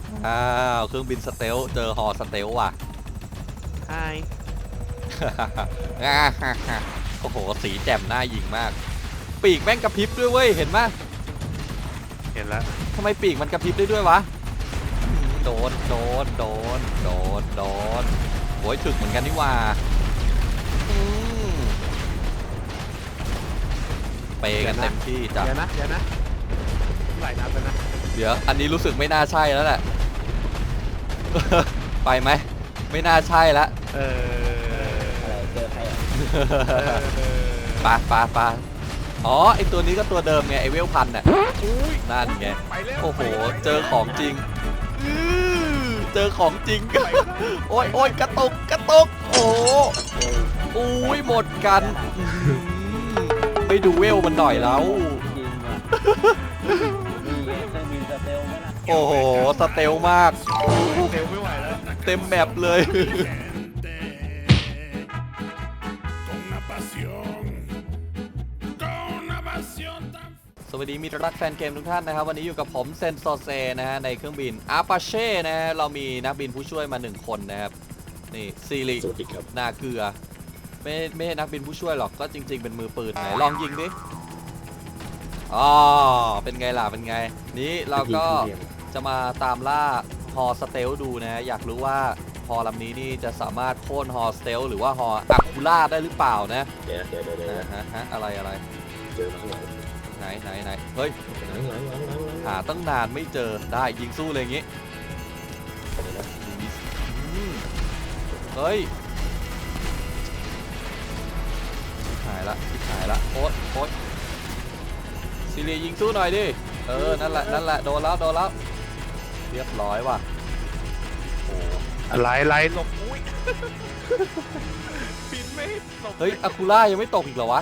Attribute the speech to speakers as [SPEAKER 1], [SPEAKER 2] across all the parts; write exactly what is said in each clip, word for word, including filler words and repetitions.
[SPEAKER 1] อ้าวเครื่องบินสเตลเจอฮอสเตลว่ะ
[SPEAKER 2] ใช่
[SPEAKER 1] โอ้โหสีแจ่มหน้ายิงมากปีกแม่งกระพริบด้วยเว้ยเห็นไหม
[SPEAKER 2] เห็นแล้ว
[SPEAKER 1] ทำไมปีกมันกระพริบได้ด้วยวะโดนโดนโดนโดนโดนโอยถึกเหมือนกันนี่ว่าเปกันเต็มที่จ้ะ
[SPEAKER 2] เดี๋ยวนะเดี๋ยวนะไหลน้ำไปนะ
[SPEAKER 1] เดี๋ยวอันนี้รู้สึกไม่น่าใช่แล้วแหละ ไปไหมไม่น่าใช่ละ
[SPEAKER 2] เออ
[SPEAKER 3] เจอใครอ่ะ
[SPEAKER 1] ปาปาปาอ๋อไอตัวนี้ก็ตัวเดิมไงไอเวลพันน่ะนั่นไงโอ้โหเจอของจริงเจอของจริงโอ้ยโอ้ยกระตุกกระตุกโอ้อุ้ยหมดกันไปดูเวลมันหน่อยแล้ว
[SPEAKER 3] จริงอ่ะนี่ไงเครื่องบินสเตลไหมล่ะ
[SPEAKER 1] โอ้โหสเตลมาก
[SPEAKER 2] เร็วไม่ไหวแล้ว
[SPEAKER 1] เต็มแมปเลย สวัสดีมิตรรักแฟนเกมทุกท่านนะครับวันนี้อยู่กับผมเซนโซเซนะฮะในเครื่องบินอาปาเช่นะฮะเรามีนักบินผู้ช่วยมาหนึ่งคนนะครับนี่ซีรินาเกลือไม่ไม่ใช่นักบินผู้ช่วยหรอกก็จริงๆเป็นมือปืนไหนลองยิงดิอ๋อเป็นไงล่ะเป็นไงนี้เราก็จะมาตามล่าฮอสเตลดูนะฮะอยากรู้ว่าฮอลำนี้นี่จะสามารถโค่นฮอสเตลหรือว่าฮออะคูล่าได้หรือเปล่านะ
[SPEAKER 3] เดี๋ยวเดี๋ยวเดี๋ยวเดี๋ยว
[SPEAKER 1] ฮะฮะอะไรอะไร
[SPEAKER 3] เจอมาข้างหลัง
[SPEAKER 1] ไหนไหนไหนเฮ้ย
[SPEAKER 3] หลังหลังหลังหลังหลัง
[SPEAKER 1] หาตั้งนานไม่เจอได้ยิงสู้เลยอย่างงี้อืมเฮ้ยหายละหายละโอ๊ตโอ๊ตซีเรียยิงสู้หน่อยดิเออนั่นแหละนั่นแหละโดนแล้วโดนแล้วเรียบร้อยว่ะโอ้
[SPEAKER 2] ไหลไหลหลบอุ้ยบินไม่หลบ
[SPEAKER 1] เฮ้ยอะคูล่ายังไม่ตกอีกเหรอวะ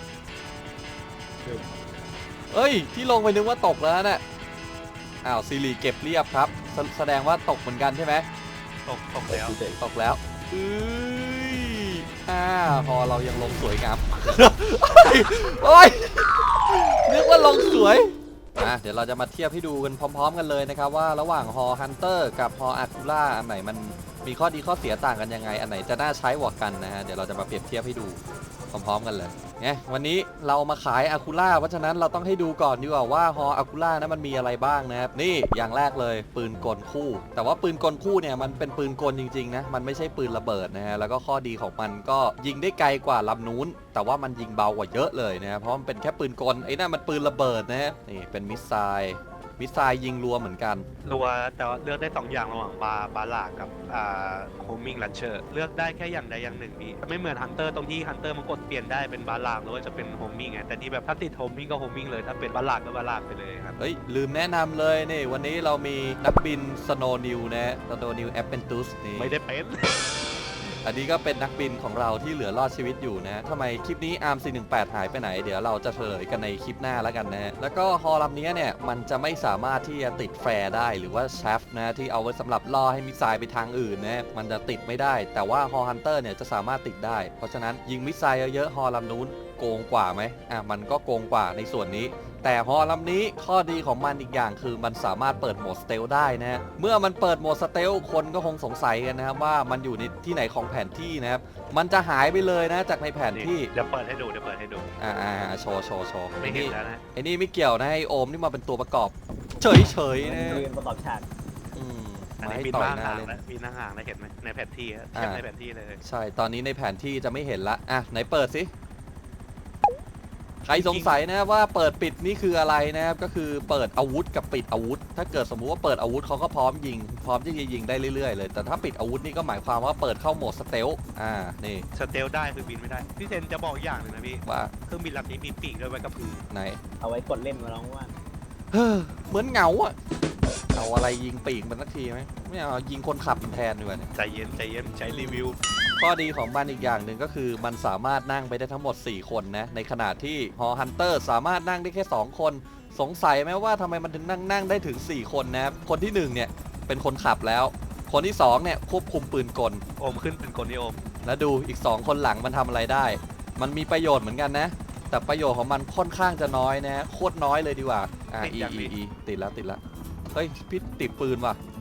[SPEAKER 1] เอ้ยที่ลงไปนึกว่าตกแล้วน่ะอ้าวซีรีเก็บเรียบครับแสแสดงว่าตกเหมือนกันใช่ไหม
[SPEAKER 2] ตกตกแล้ว
[SPEAKER 1] ตกแล้วเอ้ยอ่าพอเรายังลงสวยงาม โอ้ยนึกว่าลงสวยอ่ะเดี๋ยวเราจะมาเทียบให้ดูกันพร้อมๆกันเลยนะครับว่าระหว่างฮอฮันเตอร์กับฮออาคูล่าอันไหนมันมีข้อดีข้อเสียต่างกันยังไงอันไหนจะน่าใช้กว่ากันนะฮะเดี๋ยวเราจะมาเปรียบเทียบให้ดูพร้อมๆกันเลยไงวันนี้เรามาขายอาคูล่าเพราะฉะนั้นเราต้องให้ดูก่อนดีกว่าว่าฮออาคูล่านั้นมันมีอะไรบ้างนะครับนี่อย่างแรกเลยปืนกลคู่แต่ว่าปืนกลคู่เนี่ยมันเป็นปืนกลจริงๆนะมันไม่ใช่ปืนระเบิดนะฮะแล้วก็ข้อดีของมันก็ยิงได้ไกลกว่าลำนู้นแต่ว่ามันยิงเบากว่าเยอะเลยนะเพราะมันเป็นแค่ปืนกลไอ้นั่นมันปืนระเบิดนะฮะนี่เป็นมิสไซล์มิสไซล์ยิงรัวเหมือนกัน
[SPEAKER 2] รัวแต่ว่าเลือกได้สองอย่างระหว่างบาบาลากับอ่าโฮมิงลันเชอร์เลือกได้แค่อย่างใดอย่างหนึ่งพี่ไม่เหมือนฮันเตอร์ตรงที่ฮันเตอร์มันกดเปลี่ยนได้เป็นบาลาหรือว่าจะเป็นโฮมิงไงแต่ที่แบบถ้าติดโฮมิงก็โฮมิงเลยถ้าเป็นบาลาก็บาลาไปเลยครับ
[SPEAKER 1] เฮ้ยลืมแนะนำเลยนี่วันนี้เรามีนักบินสโนว์นิวนะสโนว์นิวแอปเปนตุสนี่
[SPEAKER 2] ไม่ได้เป็น
[SPEAKER 1] อันนี้ก็เป็นนักบินของเราที่เหลือรอดชีวิตอยู่นะทำไมคลิปนี้อาร์มสี่หนึ่งแปดหายไปไหนเดี๋ยวเราจะเฉลยกันในคลิปหน้าแล้วกันนะแล้วก็ฮอลำนี้เนี่ยมันจะไม่สามารถที่จะติดแฟร์ได้หรือว่าแชฟนะที่เอาไว้สำหรับล่อให้มิสไซล์ไปทางอื่นนะมันจะติดไม่ได้แต่ว่าฮอฮันเตอร์เนี่ยจะสามารถติดได้เพราะฉะนั้นยิงมิสไซล์เยอะๆฮอลำนู้นโกงกว่าไหมอ่ะมันก็โกงกว่าในส่วนนี้แต่ฮอลำนี้ข้อดีของมันอีกอย่างคือมันสามารถเปิดโหมดสเตลได้นะเมื่อมันเปิดโหมดสเตลคนก็คงสงสัยกันนะครับว่ามันอยู่ในที่ไหนของแผนที่นะครับมันจะหายไปเลยนะจากในแผนที่
[SPEAKER 2] เดี๋ยวเปิดให้ดูเดี๋ยวเปิดให้ดู
[SPEAKER 1] อ่าอ่าโชว์โชว์โชว์
[SPEAKER 2] ไม่
[SPEAKER 1] ไอ้
[SPEAKER 2] เห็น
[SPEAKER 1] นี่
[SPEAKER 2] แล้วนะ
[SPEAKER 1] ไอ้นี่ไม่เกี่ยวนะไอโอมนี่มาเป็นตัวประกอบ เฉยเฉยๆนะ
[SPEAKER 3] เรียนประกอบฉาก
[SPEAKER 1] อืม
[SPEAKER 2] อัน
[SPEAKER 1] มา
[SPEAKER 2] นี้
[SPEAKER 1] ให้
[SPEAKER 2] บิน
[SPEAKER 1] ต่อ
[SPEAKER 2] มาย
[SPEAKER 1] หน้า
[SPEAKER 2] ห่าง
[SPEAKER 1] เล่น
[SPEAKER 2] แล้วบินห่างๆนะเห็นไหมในแผนที่อะ
[SPEAKER 1] อ่า
[SPEAKER 2] เทียบในแผนที่เลย
[SPEAKER 1] ใช่ตอนนี้ในแผนที่จะไม่เห็นละอ่ะไหนเปิดสิใครสงสัยนะว่าเปิดปิดนี่คืออะไรนะครับก็คือเปิดอาวุธกับปิดอาวุธ ถ้าเกิดสมมุติว่าเปิดอาวุธเขาก็พร้อมยิงพร้อมที่จะยิงได้เรื่อยๆเลยแต่ถ้าปิดอาวุธนี่ก็หมายความว่าเปิดเข้าโหมดสเตลอ่านี่
[SPEAKER 2] สเตลได้คือบินไม่ได้พี่เซนจะบอกอย่างหนึ่งนะพี่
[SPEAKER 1] ว่า
[SPEAKER 2] เครื่องบินลำนี้มีปีกด้วยไว้กระพือ
[SPEAKER 1] ไหน
[SPEAKER 3] เอาไว้กดเล่นมาลองว่า
[SPEAKER 1] เฮ้อเหมือนเหงาอะเอาอะไรยิงปีกมันสักทีไหมไม่เอายิงคนขับมันแทนดีกว่าเนี่ย
[SPEAKER 2] ใจเย็นใจเย็นใช้รีวิว
[SPEAKER 1] ข้อดีของมันอีกอย่างหนึ่งก็คือมันสามารถนั่งไปได้ทั้งหมดสี่คนนะในขณะที่ฮอฮันเตอร์สามารถนั่งได้แค่สองคนสงสัยไหมว่าทำไมมันถึงนั่งนั่งได้ถึงสี่คนนะครับคนที่หนึ่งเนี่ยเป็นคนขับแล้ว คนที่สองเนี่ยควบคุมปืนกล
[SPEAKER 2] โอมขึ้นเป็นคนที่โอม
[SPEAKER 1] แล้วดูอีกสองคนหลังมันทำอะไรได้ มันมีประโยชน์เหมือนกันนะแต่ประโยชน์ของมันค่อนข้างจะน้อยนะโคตรน้อยเลยดีกว่าอ่าอีอีอีติดแล้วติดแล้วเฮ้ยพี่ติดปืนว่ะ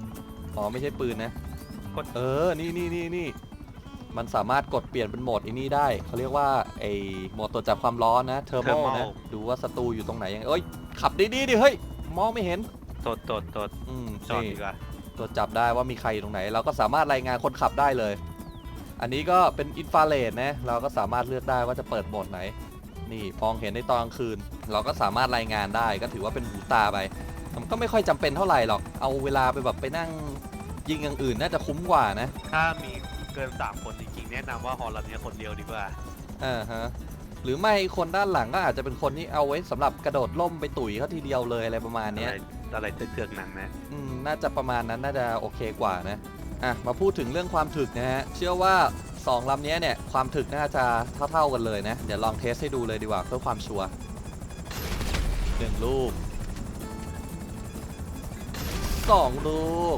[SPEAKER 1] อ๋อไม่ใช่ปืนนะ
[SPEAKER 2] กด
[SPEAKER 1] เออนี่นี่นี่นี่มันสามารถกดเปลี่ยนเป็นโหมดอันนี้ได้เขาเรียกว่าไอโหมดตรวจจับความร้อนนะเทอร์โมนะดูว่าศัตรูอยู่ตรงไหนยังเอ้ยขับดีๆดิเฮ้ยมองไม่เห็น
[SPEAKER 2] ตดตดตด
[SPEAKER 1] อืม
[SPEAKER 2] จอด
[SPEAKER 1] นี่
[SPEAKER 2] ดีกว่า
[SPEAKER 1] ตรวจจับได้ว่ามีใครอยู่ตรงไหน เราก็สามารถรายงานคนขับได้เลย อันนี้ก็เป็นอินฟราเรดนะเราก็สามารถเลือกได้ว่าจะเปิดโหมดไหนนี่มองเห็นในตอนกลางคืน เราก็สามารถรายงานได้ก็ถือว่าเป็นหูตาไปมันก็ไม่ค่อยจำเป็นเท่าไหร่หรอกเอาเวลาไปแบบไปนั่งยิงอย่างอื่นน่าจะคุ้มกว่านะ
[SPEAKER 2] ถ้ามีเกินสามคนจริงๆแนะนำว่าฮอลลำนี้คนเดียวดีกว่า
[SPEAKER 1] อ่าฮะหรือไม่คนด้านหลังก็อาจจะเป็นคนที่เอาไว้สำหรับกระโดดล่มไปตุ๋ยเขาทีเดียวเลยอะไรประมาณ
[SPEAKER 2] อะ
[SPEAKER 1] เนี้ย
[SPEAKER 2] ไรอะไรเถื่อนๆหนังนะ
[SPEAKER 1] อืมน่าจะประมาณนั้นน่าจะโอเคกว่านะอ่ะมาพูดถึงเรื่องความถึกนะฮะเชื่อว่าสองลำนี้เนี่ยความถึกน่าจะเท่าๆกันเลยนะเดี๋ยวลองเทสให้ดูเลยดีกว่าเพื่อความชัวร์หนึ่งลูกสองลูก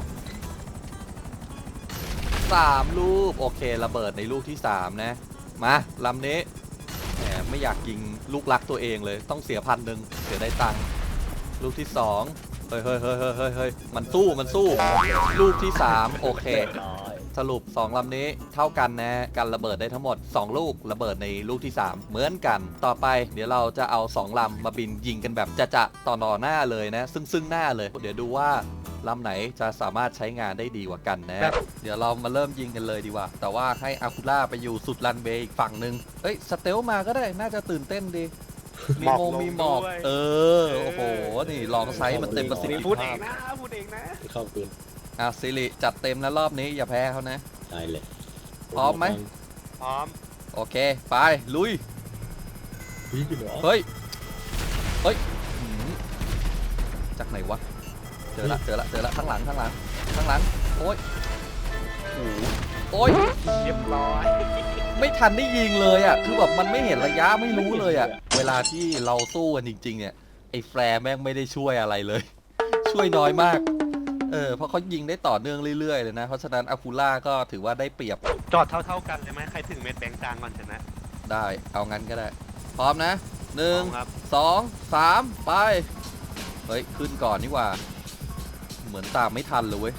[SPEAKER 1] สามลูกโอเคระเบิดในลูกที่สามนะมาลำนี้แหมไม่อยากยิงลูกรักตัวเองเลยต้องเสียพันหนึ่งเสียได้ตังค์ลูกที่สองเฮ้ยเฮ้ยเฮ้ยเฮ้ยเฮ้ยเฮ้ยมันสู้มันสู้ลูกที่สามโอเค
[SPEAKER 3] ร้อย
[SPEAKER 1] สรุปสองลำนี้เท่ากันนะกันระเบิดได้ทั้งหมดสองลูกระเบิดในลูกที่สามเหมือนกันต่อไปเดี๋ยวเราจะเอาสองลำมาบินยิงกันแบบจะจะต่อหนอหน้าเลยนะซึ่งซึ่งหน้าเลยเดี๋ยวดูว่าลำไหนจะสามารถใช้งานได้ดีกว่ากันนะเดี๋ยวเรามาเริ่มยิงกันเลยดีกว่าแต่ว่าให้อาคูล่าไปอยู่สุดรันเวย์อีกฝั่งหนึ่งเอ้ยสเตลมาก็ได้น่าจะตื่นเต้นดีมีโมมีหมอกเออโอ้โหนี่ลองไซส์มันเต็มประสิทธิ
[SPEAKER 2] พูดเอ
[SPEAKER 1] ภาพ
[SPEAKER 2] งนะพูดเองนะ
[SPEAKER 3] เข้าปืน
[SPEAKER 1] อ่ะซิริจัดเต็มแล้วรอบนี้อย่าแพ้เขานะ
[SPEAKER 3] ตายเลย
[SPEAKER 1] พร้อมไหม
[SPEAKER 2] พร้อม
[SPEAKER 1] โอเคไปลุย
[SPEAKER 3] พี่อยู่เหรอ
[SPEAKER 1] เฮ้ย เฮ้ยหืมจากไหนวะ เจอละ เจอละ เจอละ ข้างหลัง ข้างหลัง ข้างหลัง โอ้ยโอ้โหโอ้ย
[SPEAKER 2] เรียบร้อย
[SPEAKER 1] ไม่ทันได้ยิงเลยอ่ะ คือแบบมันไม่เห็นระยะไม่รู้เลยอ่ะ เวลาที่เราสู้กันจริงๆ เนี่ย ไอ้แฟร์แม่งไม่ได้ช่วยอะไรเลย ช่วยน้อยมาก เออ เพราะเขายิงได้ต่อเนื่องเรื่อยๆ เลยนะ เพราะฉะนั้นอาคูล่าก็ถือว่าได้เปรียบ
[SPEAKER 2] จอดเท่าๆกันเลยไหมใครถึงเม็ดแบงค์กลางก่อนชนะ
[SPEAKER 1] ได้ เอางั้นก็ได้ พร้อมนะหนึ่ง
[SPEAKER 2] พร้อมครับ
[SPEAKER 1] สองสามไป เฮ้ย ขึ้นก่อนนี่หว่า เหมือนตามไม่ทันเลยเว้ย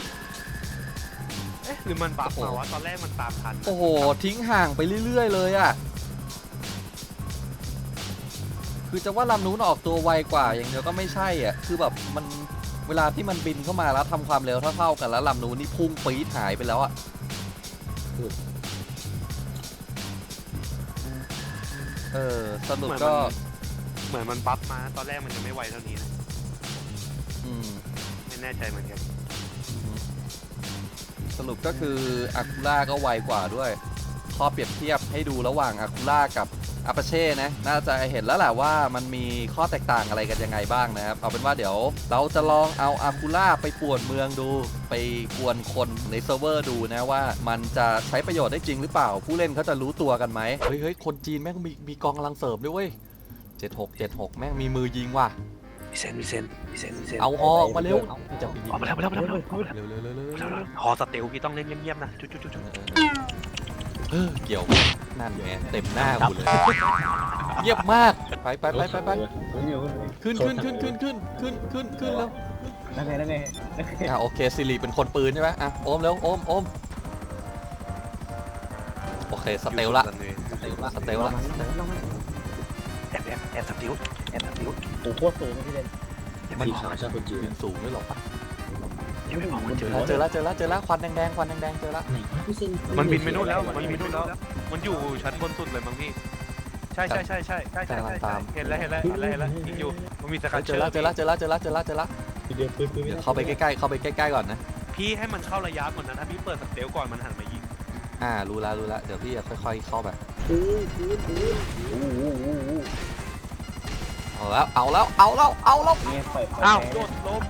[SPEAKER 2] เอ๊ะหรือมันบัฟ
[SPEAKER 1] โอ้โห
[SPEAKER 2] มาวะตอนแรกมันตามทัน
[SPEAKER 1] โอ้โห ทิ้งห่างไปเรื่อยๆเลยอะคือจะว่าลำนู้นออกตัวไวกว่าอย่างเดียวก็ไม่ใช่อ่ะคือแบบมันเวลาที่มันบินเข้ามาแล้วทำความเร็วเท่าๆกันแล้วลำนู้นนี่พุ่งปี๊ดหายไปแล้วอะเออสรุปก็
[SPEAKER 2] เหมือนมันบัฟมาตอนแรกมันยังไม่ไวเท่านี้นะ
[SPEAKER 1] อืม
[SPEAKER 2] ไม่แน่ใจเหมือนกัน
[SPEAKER 1] สรุปก็คืออาคูล่าก็ไวกว่าด้วยข้อเปรียบเทียบให้ดูระหว่างอาคูล่ากับอาปาเช่นะน่าจะเห็นแล้วแหละว่ามันมีข้อแตกต่างอะไรกันยังไงบ้างนะครับเอาเป็นว่าเดี๋ยวเราจะลองเอาอาคูล่าไปป่วนเมืองดูไปกวนคนในเซิร์ฟเวอร์ดูนะว่ามันจะใช้ประโยชน์ได้จริงหรือเปล่าผู้เล่นเขาจะรู้ตัวกันไหมเฮ้ยเฮ้ยคนจีนแม่งมีมีกองกำลังเสริมด้วยเว้ยเจ็ดหก เจ็ดหกแม่งมีมือยิงว่ะ
[SPEAKER 2] มีเซนมีเซนมีเซนมีเซน
[SPEAKER 1] เอาออกมาเร็วจะไปยิง
[SPEAKER 2] ออกมาแล้วมาแล้วมาแล้วมาแล้ว
[SPEAKER 1] เร็วเร็วเร็วเร็วเร็ว
[SPEAKER 2] ฮอสเตลพี่ต้องเล่นเงียบๆนะจุ๊จุ๊จุ๊จุ๊
[SPEAKER 1] เออเกี่ยวนั่นไงเต็มหน้ากูเลยเงียบมากไปไปไปไปไปขึ้นขึ้นขึ้นขึ้นขึ้นขึ้นขึ้นขึ้นแล้ว
[SPEAKER 3] นั่งไงนั่งไง
[SPEAKER 1] อ่ะโอเคซิริเป็นคนปืนใช่ไหมอ่ะโอมเร็วโอมโอมโอเคสเตลละสเตลละสเตลละ
[SPEAKER 2] แอบแอบแอบสติลแอบสติล
[SPEAKER 3] โอ้โหโคตรสูงนะพี่เล่น
[SPEAKER 2] ยัง
[SPEAKER 3] มั
[SPEAKER 2] ไม่
[SPEAKER 3] น
[SPEAKER 2] บอก
[SPEAKER 3] ขาชาคนจีน
[SPEAKER 1] ยืนสูงด้วยหรอปะ
[SPEAKER 2] ยังไม่บอกมัน
[SPEAKER 1] เจ
[SPEAKER 2] เจ
[SPEAKER 1] อ
[SPEAKER 2] อ
[SPEAKER 1] แล้วเจอแล้วเจอแล้วเจอแล้วควันแดงๆควันแดงๆเจอแล้ว
[SPEAKER 3] ไหนพี่เซน
[SPEAKER 2] มันบินไปนู่นแล้วมันบินไปนู่นแล้วมันอยู่ชั้นบนสุดเลยมั้งพี่ใช่ใช่ใช่ใช่ใช่ใช่ใช่เห็นแล้วเห็นแล้วเห็นแล้วเห็นแล้วยิงอยู่มันมีสกัด
[SPEAKER 1] เจ
[SPEAKER 2] เชื
[SPEAKER 1] อ
[SPEAKER 2] อ
[SPEAKER 1] แล้วเจอแล้วเจอแล้วเจอแล้วเจอแล้วเจอแล้ว
[SPEAKER 3] พี่เดียวปืนปืน
[SPEAKER 1] เดี๋ยวเข้าไปใกล้ๆเข้าไปใกล้ๆก่อนนะ
[SPEAKER 2] พี่ให้มันเข้าระยะก่อนนะถ้าพี่เปิดสเตลก่อนมันหันมายิง
[SPEAKER 1] อ่ารู้แล้วรู้แล้วเดี๋ยวพี่จะค่อยๆเข้าไป
[SPEAKER 3] ปืนปืนปืนโอ้โห
[SPEAKER 1] เอาแล้วเอาแล้วเอาแล้วเอาแล้ว
[SPEAKER 3] เนี่ยปล่อย
[SPEAKER 2] อ้าวโดดลม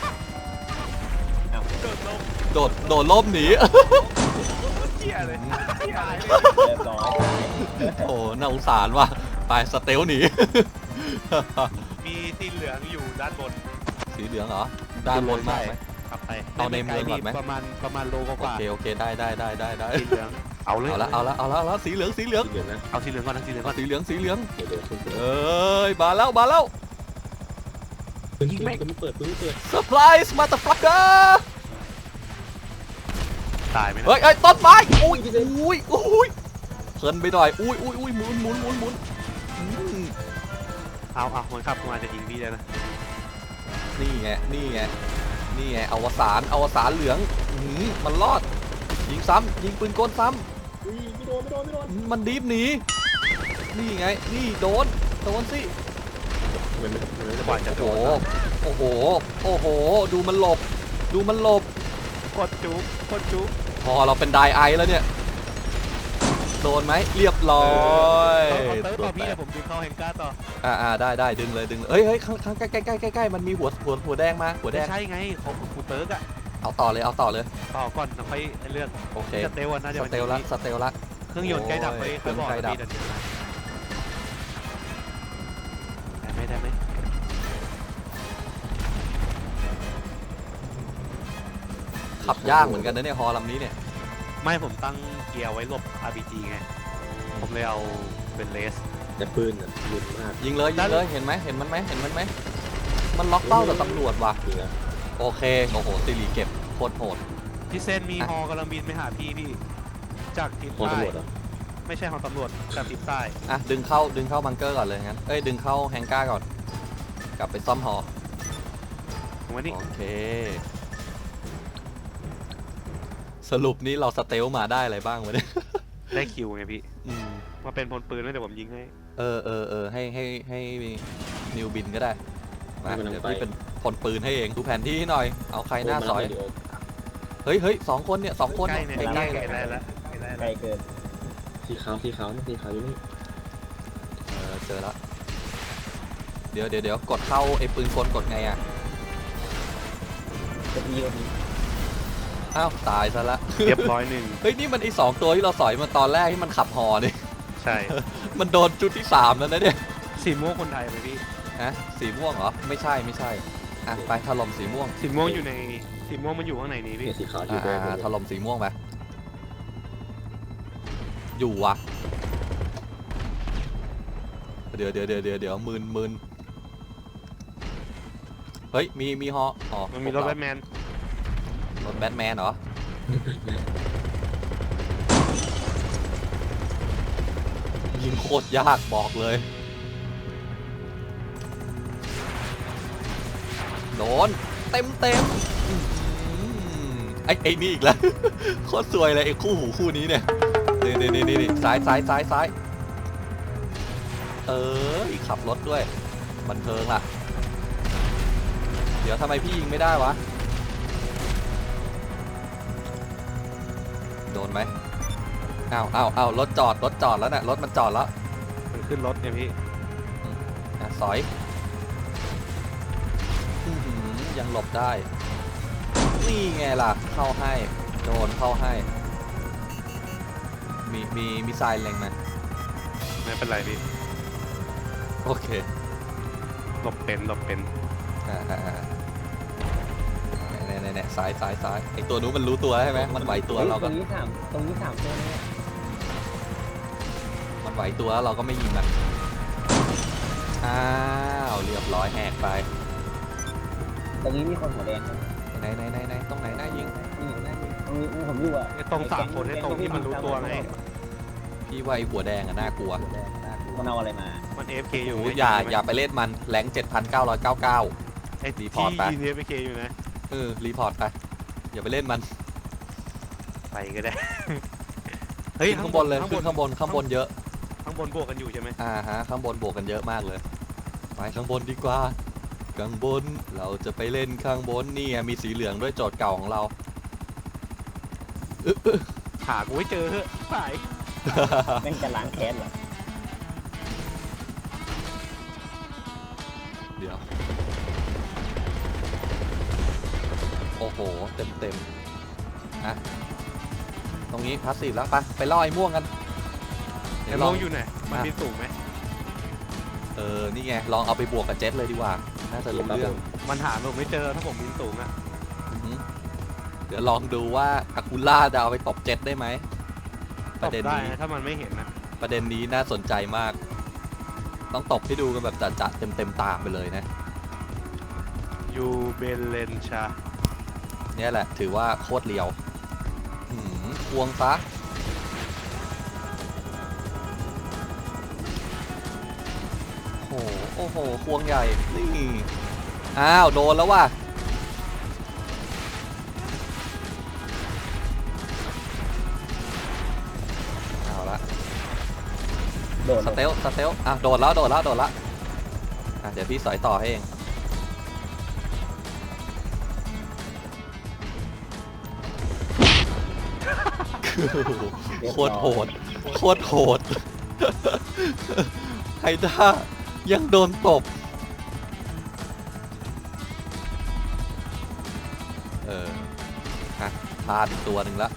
[SPEAKER 2] โดดลม
[SPEAKER 1] โดดโดดล่มหนี
[SPEAKER 2] เหี้ยเลยเหี้ยเลย
[SPEAKER 3] เรียบร้อย
[SPEAKER 1] โอ้น่าสงสารว่ะไปสเตลหนี
[SPEAKER 2] มีสีเหลืองอยู่ด้านบน
[SPEAKER 1] สีเหลืองเหรอด้านบนมากไหม
[SPEAKER 2] ขับไป
[SPEAKER 1] เอาในเมืองก่อนไหม
[SPEAKER 2] ประมาณประมาณโลก
[SPEAKER 1] โอ
[SPEAKER 2] ว่า
[SPEAKER 1] เคโอเคได้ได้ได้ได้ได้
[SPEAKER 2] สีเหลืองเอาเลย
[SPEAKER 1] เอาละเอาละเอาละเอาละสีเหลืองสีเหลือง
[SPEAKER 3] เดี๋ยวนะ
[SPEAKER 2] เอาสีเหลืองก่อนนะสีเหลืองก่อน
[SPEAKER 1] สีเหลืองสีเหลือง
[SPEAKER 3] เดี๋ยวเดี๋ยวปืน
[SPEAKER 1] เอ้ยมาแล้วมาแล้ว
[SPEAKER 3] ปืนปืนปืนเปิดปืนเปิด
[SPEAKER 1] เซอร์ไพรส์มาตาฟักเกอร์
[SPEAKER 2] ตายไหมนะ
[SPEAKER 1] เฮ้ยเฮ้ยต้นไม้อุ้ยอุ้ยอุ้ยเพลินไปหน่อยอุ้ยอุ้ยอุ้ยหมุนหมุนหมุนหมุนอืม
[SPEAKER 2] เอาเอาคนขับมาจะยิงพี่เลยนะ
[SPEAKER 1] นี่ไงนี่ไงนี่ไงอวสานอวสานเหลืองอื้อหือมันรอดยิงซ้ำยิงปืนกลซ้ำ
[SPEAKER 3] อุ้ยไม่โดนไม่โดนไม่โดน
[SPEAKER 1] มันดีฟหนีนี่ไงนี่โดนโดนสิ
[SPEAKER 3] เหมือนเหมือน
[SPEAKER 2] กว่าจะ
[SPEAKER 1] โอ้
[SPEAKER 2] โด
[SPEAKER 1] โห
[SPEAKER 2] น
[SPEAKER 1] โอ้โหโอ้โหดูมันหลบดูมันหลบ
[SPEAKER 2] กดจุ๊บกดจุ๊บ
[SPEAKER 1] พอเราเป็นไดไอแล้วเนี่ยโดนไหมเรียบร้อย
[SPEAKER 2] เอาเติร์ฟ
[SPEAKER 1] ตัว
[SPEAKER 2] ต่อ
[SPEAKER 1] แต
[SPEAKER 2] พี่
[SPEAKER 1] ก
[SPEAKER 2] เดี๋ยวผมดึงเข้าแฮงก้าต่อ
[SPEAKER 1] อ่าอ่าได้ได้ดึงเลยดึงเลยเอ้ยเฮ้ยข้างข้างใกล้ใกล้ใกล้ใกล้ใกล้มันมีหัวหัวหัวแดงมาหัวแด
[SPEAKER 2] ไม่
[SPEAKER 1] ง
[SPEAKER 2] ใช่ไงของคูเติร์กอะ
[SPEAKER 1] เอาต่อเลยเอาต่อเลย
[SPEAKER 2] ต่อก่อนแล้วค่อยเลือก
[SPEAKER 1] โอเค
[SPEAKER 2] สเตลน่าจะ
[SPEAKER 1] ส
[SPEAKER 2] เป็น
[SPEAKER 1] เตลละสเตลละ
[SPEAKER 2] เครื่องยนต์ใกล้ดับไป
[SPEAKER 1] โอ้ย
[SPEAKER 2] ค่อยบอก
[SPEAKER 1] เครื่องใกล้ดับ
[SPEAKER 2] พี่เดี๋ยวได้ไหมได้ไหม
[SPEAKER 1] ขับยากเหมือนกันนะเนี่ยฮอลำนี้เนี่ย
[SPEAKER 2] ไม่ผมตั้งเกียร์ไว้หลบ อาร์ พี จี ไงผมเลยเอาเป็นเลส
[SPEAKER 3] แต่ปืนอ่ะรุนมาก
[SPEAKER 1] ยิงเลยยิงเลยเห็นไหมเห็นมันไหมเห็นมันไหมมันล็อกเป้าแต่ตำรวจว่ะ
[SPEAKER 3] จริงอ่ะ
[SPEAKER 1] โอเคโอ้โหสิริเก็บโคตรโหด
[SPEAKER 2] พี่เซนมี
[SPEAKER 1] อ่ะ
[SPEAKER 2] ฮอกำลังบินไปหาพี่พี่จากทิศ
[SPEAKER 3] พอ
[SPEAKER 2] ใต้
[SPEAKER 3] ตำรวจเหรอ
[SPEAKER 2] ไม่ใช่ฮอตำรวจจากทิศใต้
[SPEAKER 1] อ่ะดึงเข้าดึงเข้าบังเกอร์ก่อนเลยงั้นเอ้ยดึงเข้าแฮงก้าก่อนกลับไปซ่อมฮอ
[SPEAKER 2] ผมว่านี่
[SPEAKER 1] โอเค สรุปนี้เราสเตลมาได้อะไรบ้างวะเนี่ย
[SPEAKER 2] ได้คิวไงพี่
[SPEAKER 1] อืม
[SPEAKER 2] มาเป็นพลปืนแล้วเดี๋ยวผมยิงให้
[SPEAKER 1] เออเออเออให้ให้ให้นิวบินก็ได้มาเดี๋ยวพี่เป็นพลปืนให้เองดูแผนที่ให้หน่อย เอาใครหน้าซอย
[SPEAKER 3] เดี๋ยว
[SPEAKER 1] เฮ้ยเฮ้ยสองคนเนี่ยสองคน
[SPEAKER 2] ใกล้เนี่ย
[SPEAKER 1] ใกล้
[SPEAKER 2] ใก
[SPEAKER 1] ใก
[SPEAKER 2] ล้
[SPEAKER 1] ล้
[SPEAKER 2] ใกล้แล้วใกล้แล้ว
[SPEAKER 3] ไกลเกินสีขาวสีขาวนี่สีขาวอยู่นี่
[SPEAKER 1] เออเจอแล้วเดี๋ยวเดี๋ยวเดี๋ยวกดเข้าไอ้ปืนกลกดไงอ่ะ
[SPEAKER 3] จะมีวันนี้
[SPEAKER 1] อ้าวตายซะละ
[SPEAKER 2] เรียบร้อยหนึ่ง
[SPEAKER 1] เฮ้ยนี่มันไอ้สองตัวที่เราสอยมาตอนแรกที่มันขับฮอนี่
[SPEAKER 2] ใช่
[SPEAKER 1] มันโดนจุดที่สามแล้วนะเนี่ย
[SPEAKER 2] สีม่วงคนไทยไหมพี่
[SPEAKER 1] ฮะสีม่วงเหรอไม่ใช่ไม่ใช่อ่ะไปถล่มสีม่วง
[SPEAKER 2] สีม่วงอยู่ในสีม่วงมันอยู่ข้างในนี้พี่
[SPEAKER 3] เนี่ยสีขาว
[SPEAKER 1] อ่า
[SPEAKER 3] ที่แดง
[SPEAKER 1] อ่าถล่มสีม่วงไปอยู่วะเดี๋ยวเดี๋ยวเดี๋ยวเดี๋ยวเดี๋ยวมืนมืนเฮ้ยมีมีฮออ๋อ
[SPEAKER 2] มันมีรถแบทแมน
[SPEAKER 1] รถแบทแมนเหรอยิงโคตรยากบอกเลย โดนเต็มเต็มอื้อหือไอ้ไอ้นี่อีกแล้ว โคตรสวยเลยไอ้คู่หูคู่นี้เนี่ยนี่นี่นี่นี่ซ้ายซ้ายซ้ายซ้ายเอออีกขับรถด้วยบันเทิงล่ะ เดี๋ยวทำไมพี่ยิงไม่ได้วะโดนไหมอ้าวอ้าวอ้าวรถจอดรถจอดแล้วน่ะรถมันจอดแล้ว
[SPEAKER 2] มันขึ้นรถเนี่ยพี่
[SPEAKER 1] อ่ะสอยอื้อหือยังหลบได้ นี่ไงล่ะ เข้าให้ โดนเข้าให้ มีมีมีทรายเล็งไหม
[SPEAKER 2] ไม่เป็นไรพี่
[SPEAKER 1] โอเค
[SPEAKER 2] หลบเป็นหลบเป็น
[SPEAKER 1] อ่าอ่าอ่าแน่แน่แน่ซ้ายซ้ายซ้ายไอตัวนู้นมันรู้ตัวใช่ไหมมันไหวตัวเรา
[SPEAKER 3] ต
[SPEAKER 1] ก็
[SPEAKER 3] รงนี้สามตรงนี้สามตัวเนี่ย
[SPEAKER 1] มันไหวตัวแล้วเราก็ไม่ยิงมัน อ้าวเรียบร้อยแหกไป
[SPEAKER 3] ตรงนี้มีคนหัวแดง
[SPEAKER 1] ไหนไหนไหนไหนตรงไหนน่ายิง
[SPEAKER 3] นี่อยู่นะตรงนี้ผมอยู่อ่ะ
[SPEAKER 2] ไอ้ตรงสามคนไอ้ตรงที่มันรู้ตัวไง
[SPEAKER 1] พี่ว่าไอหัวแดงอะน่ากลัว
[SPEAKER 3] หัวแดงน่ากลัวมันเอาอะไรมา
[SPEAKER 2] มัน เอ เอฟ เค อยู่
[SPEAKER 1] โอ้ยอย่าอย่าไปเล่นมันแรงเจ็ดพันเก้าร้อยเก้าเก้า
[SPEAKER 2] ไอ้
[SPEAKER 1] รี
[SPEAKER 2] ที่
[SPEAKER 1] พอร์ตไป
[SPEAKER 2] ยิง เอ เอฟ เค อยู่นะ
[SPEAKER 1] เออรีพอร์ตไป อย่าไปเล่นมัน
[SPEAKER 2] ไปก็ได้
[SPEAKER 1] ขึ้นข้างบนเลยขึ้นข้างบนข้างบนเยอะ
[SPEAKER 2] ข้างบนบวกกันอยู่ใช่ไหม
[SPEAKER 1] อ่าฮะข้างบนบวกกันเยอะมากเลย ไปข้างบนดีกว่าข้างบนเราจะไปเล่นข้างบนนี่ไงมีสีเหลืองด้วยโจทย์เก่าของเรา
[SPEAKER 2] หากูให้เจอเถอะสาย
[SPEAKER 3] แม่งจะล้างแค้นเหรอ
[SPEAKER 1] เดี๋ยวโอ้โหเต็มเต็มๆอ่ะตรงนี้พาสซีฟแล้วไปไปล่อไอ้ม่วงกัน
[SPEAKER 2] ไอ้
[SPEAKER 1] ล
[SPEAKER 2] ม่
[SPEAKER 1] อ
[SPEAKER 2] ว
[SPEAKER 1] ง
[SPEAKER 2] งอยู่ไหนมันบินสูงไหม
[SPEAKER 1] เออนี่ไงลองเอาไปบวกกับเจ็ตเลยดีกว่าน่าจะรู้เรื่อง
[SPEAKER 2] มันหาผมไม่เจอถ้าผมบินสูงอะ
[SPEAKER 1] อือหือเดี๋ยวลองดูว่าอากูล่าจะเอาไปตบเจ็ตได้ไหมป
[SPEAKER 2] ต
[SPEAKER 1] ระ
[SPEAKER 2] บ
[SPEAKER 1] เด็น
[SPEAKER 2] ได้
[SPEAKER 1] นี้
[SPEAKER 2] นะถ้ามันไม่เห็นนะ
[SPEAKER 1] ประเด็นนี้น่าสนใจมาก ต้องตบให้ดูกันแบบจัดๆเต็มเต็มๆตาไปเลยนะ
[SPEAKER 2] ยูเบลเลนชา
[SPEAKER 1] เนี่ยแหละถือว่าโคตรเลียวหืมควงซะโอ้โหโอ้โหควงใหญ่นี่อ้าวโดนแล้วว่ะเอาละ
[SPEAKER 3] โดด
[SPEAKER 1] สเตลสเตลอ่ะโดดแล้วโดดแล้วโดดแล้วอ่ะเดี๋ยวพี่สอยต่อให้เองโคตรโหดโคตรโหดไฮด้ายังโดนตบเออฮะพลาดอีกตัวหนึ่งละ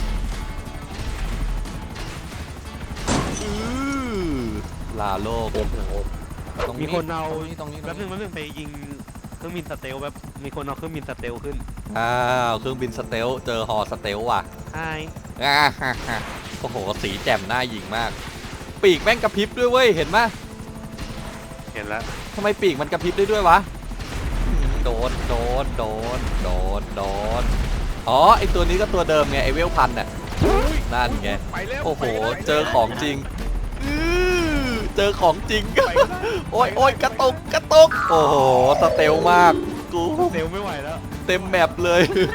[SPEAKER 1] อื้อลาโลก
[SPEAKER 3] เต็มโอ้
[SPEAKER 1] ตรง
[SPEAKER 2] มีคนเอา
[SPEAKER 1] ตรงนี้ตรงนี้ตร
[SPEAKER 2] แป๊
[SPEAKER 1] ง
[SPEAKER 2] บนึ
[SPEAKER 1] นี้
[SPEAKER 2] งแป๊บนึงไปยิงเครื่องบินสเตลแบบมีคนเอาเครื่องบินสเตลขึ้น
[SPEAKER 1] อ้าวเครื่องบินสเตลเจอฮอสเตลว่ะ
[SPEAKER 2] ใช่
[SPEAKER 1] อ่าฮ่าฮ่าโอ้โหสีแจ่มหน้าหยิงมาก ปีกแม่งกระพริบด้วยเว้ยเห็นไหม
[SPEAKER 2] เห็นแล้ว
[SPEAKER 1] ทำไมปีกมันกระพริบได้ด้วยวะอืมโดนโดนโดนโดนโดนอ๋อไอตัวนี้ก็ตัวเดิมไงไอเวลพันน่ะนั่นไง
[SPEAKER 2] ไปแล้ว
[SPEAKER 1] โอ้โห
[SPEAKER 2] ไปแล้ว
[SPEAKER 1] เจอของจริงอื้อเจอของจริง โอ้ยโอ้ยกระตุกกระตุกโอ้โหสเตลมากกู
[SPEAKER 2] เตลไม่ไหวแล้ว
[SPEAKER 1] เต็มแมปเลย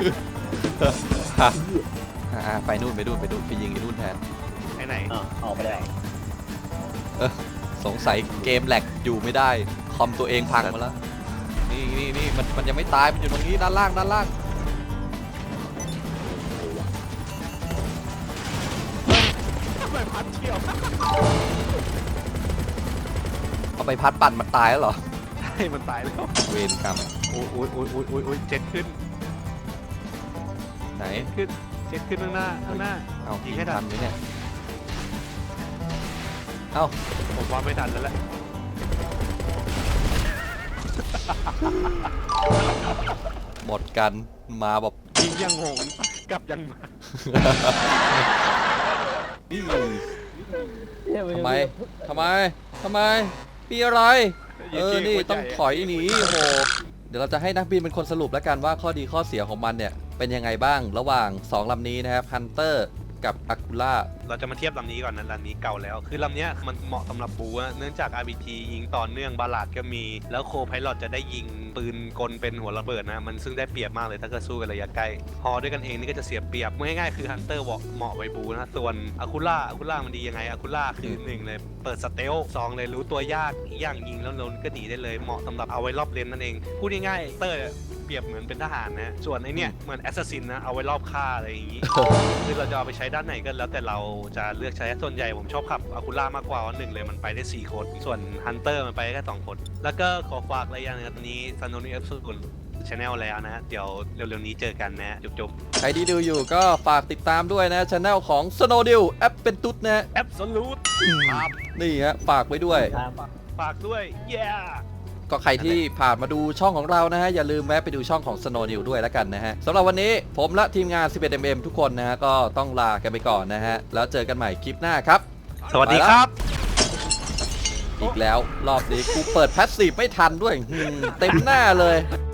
[SPEAKER 1] อ่าไปนู่นไปนู่นไปนู่นไปยิงไอ้นู่นแทน
[SPEAKER 2] ไปไหน
[SPEAKER 3] อ่ะออกไปแล้ว
[SPEAKER 1] สงสัยเกมแหลกอยู่ไม่ได้ คอมตัวเองพังมาแล้ว นี่นี่นี่มันมันยังไม่ตาย มันอยู่ตรงนี้ด้านล่างด้านล่าง
[SPEAKER 2] ทำไมพัดเที่ยว
[SPEAKER 1] เอาไปพัดปั่นมันตายแล้วเหรอ
[SPEAKER 2] ใช่มันตายแล้ว
[SPEAKER 1] เวรกรรม
[SPEAKER 2] โอ้ยโอ้ยโอ้ยโอ้ยโอ้ยโอ้ยเจ็ดขึ้น
[SPEAKER 1] ไหน
[SPEAKER 2] ขึ้นเจ็ดขึ้นข้างหน้าข้างหน้า
[SPEAKER 1] เอา
[SPEAKER 2] ยิ
[SPEAKER 1] ยิ
[SPEAKER 2] ง
[SPEAKER 1] ง
[SPEAKER 2] ให้ทั
[SPEAKER 1] ทั
[SPEAKER 2] น
[SPEAKER 1] นไหมเนี่ย เอ้า
[SPEAKER 2] ผมว่าไม่ทันแล้วแหละ
[SPEAKER 1] หมดกันมาแบบ
[SPEAKER 2] ยิงยังหงกลับยังมา
[SPEAKER 1] ทำไมทำไมทำไมมีอะไร เออ นี่ต้องถอยหนีโอ้โห เดี๋ยวเราจะให้นักบินเป็นคนสรุปแล้วกันว่าข้อดีข้อเสียของมันเนี่ย เป็นยังไงบ้างระหว่างสองลำนี้นะครับ Hunter กับ Akula
[SPEAKER 2] เราจะมาเทียบลำนี้ก่อนนะลำนี้เก่าแล้ว คือลำเนี้ยมันเหมาะสำหรับบูอะเนื่องจาก อาร์ พี ที ยิงต่อเนื่องบาลาดก็มี แล้วโคไพลอตจะได้ยิงปืนกลเป็นหัวระเบิดนะ มันซึ่งได้เปรียบมากเลยถ้าเกิดสู้กันระยะใกล้ฮอด้วยกันเองนี่ก็จะเสียเปรียบง่ายๆคือฮันเตอร์เหมาะไว้บูนะ ส่วนอาคูล่าอาคูล่ามันดียังไงอาคูล่าคือหนึ่งเลยเปิดสเตลสองเลยรู้ตัวยากอีกอย่างยิงแล้วโดนก็หนีได้เลยเหมาะสำหรับเอาไว้รอบเลนนั่นเองพูดง่ายๆเตอร์เปรียบเหมือนเป็นทหารนะส่วนไอเนี้ยเหมือนแอสซัสซินนะเอาไว้รอบฆ่าอะไรอย่างงี้ คือเราจะเอาไปใช้ด้านไหนก็แล้วแต่เราจะเลือกใช้ส่วนใหญ่ผมชอบขับอาคูล่ามากกว่าว่าหนึ่งเลยมันไปได้สี่คนส่วนฮันเตอร์มันไปได้แค่สองคนแล้วก็ขอฝากอะไรอย่างนึงนะตอนนี้ซันโนนี่เอฟซูนชาแนลแล้วนะฮะเดี๋ยวเร็วๆนี้เจอกันนะจุ๊บ
[SPEAKER 1] ใครที่ดูอยู่ก็ฝากติดตามด้วยนะช anel ของ Snowdeal แอปเป็นตุ๊ดนะฮะ
[SPEAKER 2] ๆแอปสลูดครับ
[SPEAKER 1] นี่ฮะฝากไว้ด้วย
[SPEAKER 3] ครับ
[SPEAKER 2] ฝากด้วย yeah
[SPEAKER 1] ก็ใครที่ผ่านมาดูช่องของเรานะฮะ อย่าลืมแวะไปดูช่องของ Snowdeal ด้วยแล้วกันนะฮะสำหรับวันนี้ผมและทีมงาน สิบเอ็ด เอ็ม เอ็ม ทุกคนนะฮะ ก็ต้องลากันไปก่อนนะฮะ แล้วเจอกันใหม่คลิปหน้าครับ
[SPEAKER 2] สวัสดีครับ
[SPEAKER 1] อีกแล้วรอบนี้กูเปิดแพสซีฟไม่ทันด้วยหืมเต็มหน้าเลย